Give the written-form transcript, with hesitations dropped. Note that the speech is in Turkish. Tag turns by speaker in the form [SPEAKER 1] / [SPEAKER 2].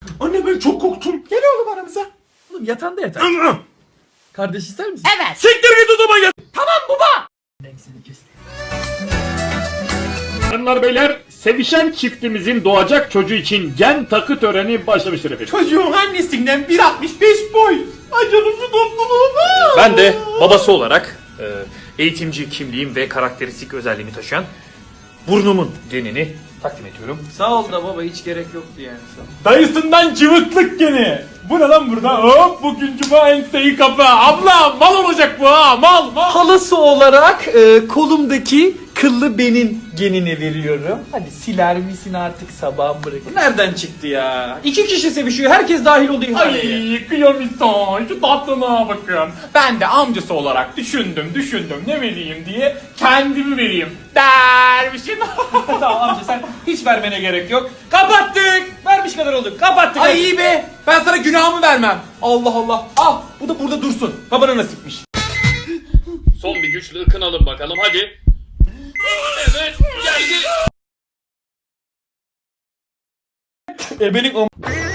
[SPEAKER 1] Anne ben çok korktum. Gel oğlum aramıza.
[SPEAKER 2] Oğlum yatağında yatar. Kardeş ister misin?
[SPEAKER 3] Evet.
[SPEAKER 1] Siktir git o zaman ya.
[SPEAKER 3] Tamam baba.
[SPEAKER 2] Ben seni kestim.
[SPEAKER 4] Hanımlar beyler, sevişen çiftimizin doğacak çocuğu için gen takı töreni başlamıştır efendim.
[SPEAKER 1] Çocuğun annesinden 1.65 boy. Ay canım şu dostluğuma.
[SPEAKER 5] Ben de babası olarak eğitimci kimliğim ve karakteristik özelliğimi taşıyan burnumun genini takdim ediyorum.
[SPEAKER 2] Sağ ol da baba hiç gerek yoktu yani.
[SPEAKER 1] Dayısından cıvıklık gene. Bu ne lan burada? Hop bugün cuma enseyi kapı. Abla mal olacak bu ha mal.
[SPEAKER 2] Halası olarak kolumdaki kıllı benin genini veriyorum. Hadi siler misin artık sabah bırak. Bu nereden çıktı ya? 2 kişi sevişiyor. Herkes dahil oldu ihaleye.
[SPEAKER 1] Ay kıyamison şu tatlına bakın. Ben de amcası olarak düşündüm ne vereyim diye kendimi vereyim. Dervişim.
[SPEAKER 2] Tamam amca sen hiç vermene gerek yok. Kapattık. Vermiş kadar olduk. Kapattık.
[SPEAKER 1] Ay iyi be ben sana günahımı vermem. Allah Allah al bu da burada dursun. Babana nasipmiş.
[SPEAKER 5] Son bir güçlü ıkınalım bakalım hadi. Evet geldi.
[SPEAKER 2] Ebenin